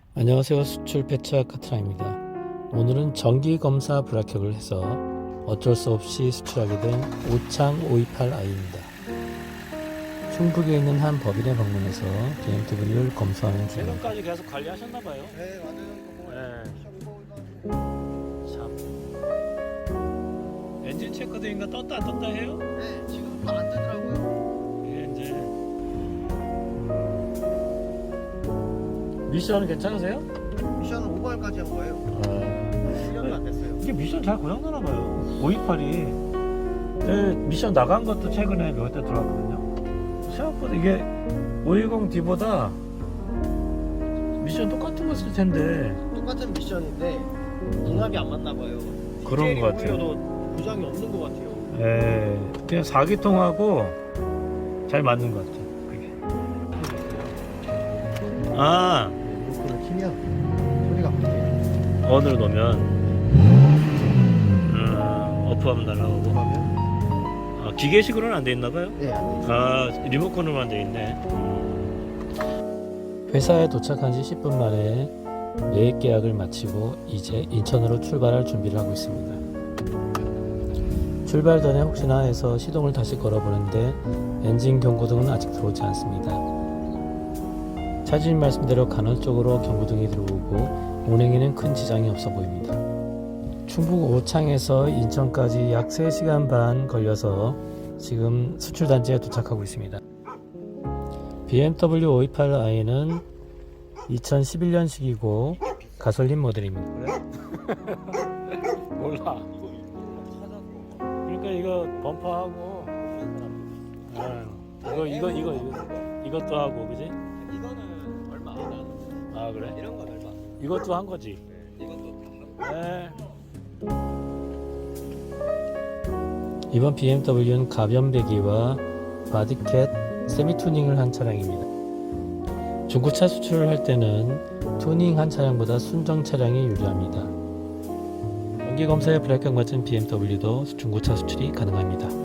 안녕하세요. 수출 배치학 카트라입니다. 오늘은 정기검사 불합격을 해서 어쩔 수 없이 수출하게 된 오창 528i입니다. 충북에 있는 한 법인에 방문해서 BMW를 검수하는 중입니다. 최근까지 계속 관리하셨나봐요. 네, 맞아요. 네. 참. 엔진 체크대인가 떴다 안 떴다 해요? 네, 지금 또 안 뜨더라고요. 이게 이제 미션은 괜찮으세요? 미션은 5발까지 한 거예요. 아, 1년도 안 됐어요. 이게 미션 잘 고장나나봐요. 528이 미션 나간 것도 최근에 몇 대 들어왔거든요. 생각보다 이게 510D보다 미션 똑같은 거 쓸 텐데 똑같은 미션인데 궁합이 안 맞나 봐요. 그런 것 같아요. 도 고장이 없는 것 같아요. 그냥 4기통하고 잘 맞는 것 같아요. 그게. 아, 리모컨을 키면 소리가 바뀌어요. 언으로 놓으면 어프하면 날아가고. 그러면 기계식으로는 안 돼 있나 봐요. 네, 안 돼요. 리모컨으로만 돼 있네. 회사에 도착한 지 10분 만에 매입 계약을 마치고 이제 인천으로 출발할 준비를 하고 있습니다. 출발 전에 혹시나 해서 시동을 다시 걸어보는데 엔진 경고등은 아직 들어오지 않습니다. 차주님 말씀대로 간헐적으로 경고등이 들어오고 운행에는 큰 지장이 없어 보입니다. 충북 오창에서 인천까지 약 3시간 반 걸려서 지금 수출단지에 도착하고 있습니다. BMW 528i는 2011년식이고 가솔린 모델입니다. 그래? 몰라. 그러니까 이거 범퍼하고 이것도 하고 그지? 이거는 얼마 안 하는데 아 그래? 이런 건 얼마? 이것도 한 거지. 이것도 다 하고. 네. 이번 BMW는 가변 배기와 바디캣 세미 투닝을 한 차량입니다. 중고차 수출을 할 때는 투닝한 차량보다 순정 차량이 유리합니다. 정기 검사에 불합격 맞은 BMW도 중고차 수출이 가능합니다.